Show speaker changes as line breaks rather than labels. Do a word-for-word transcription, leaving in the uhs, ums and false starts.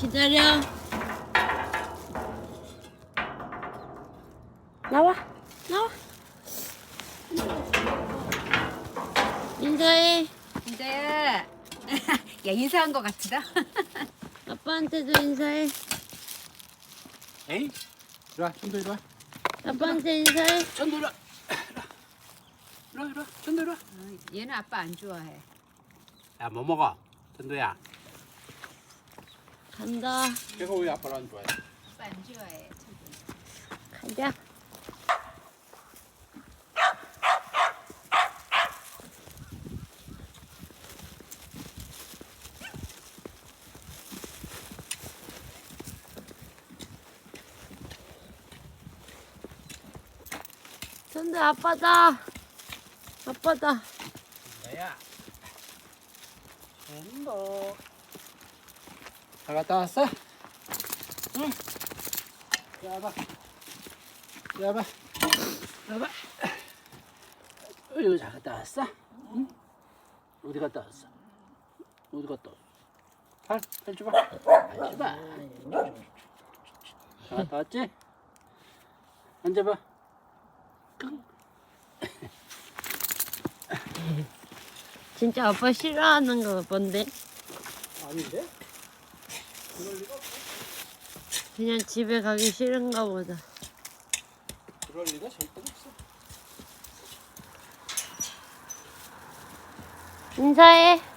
기다려. 나와, 나와. 인사해.
인자야. 야, 인사한 거 같다.
아빠한테도 인사해.
에이? 이리 와, 천도 이리 와.
아빠한테 인사해.
천도 이리 와. 이리 와, 이리 와. 천도 이리 와.
어, 얘는 아빠 안 좋아해.
야, 뭐 먹어? 천도야.
간다.
걔가 왜 아빠를 안 좋아해?
아빠 안 좋아해. 천도.
가자. 근데 아빠다. 아빠다.
나야. 천도. 잘 갔다 왔어? 응. 야봐. 야봐. 야봐. 어이구, 잘 갔다 왔어? 응? 어디 갔다 왔어? 어디 갔다 왔어? 팔, 팔 줘봐. 팔 줘봐. 잘 갔다 왔지? 앉아봐.
진짜 아빠 싫어하는 거 뭔데?
아닌데?
그냥 집에 가기 싫은가 보다.
그럴 리가 절대 없어.
인사해.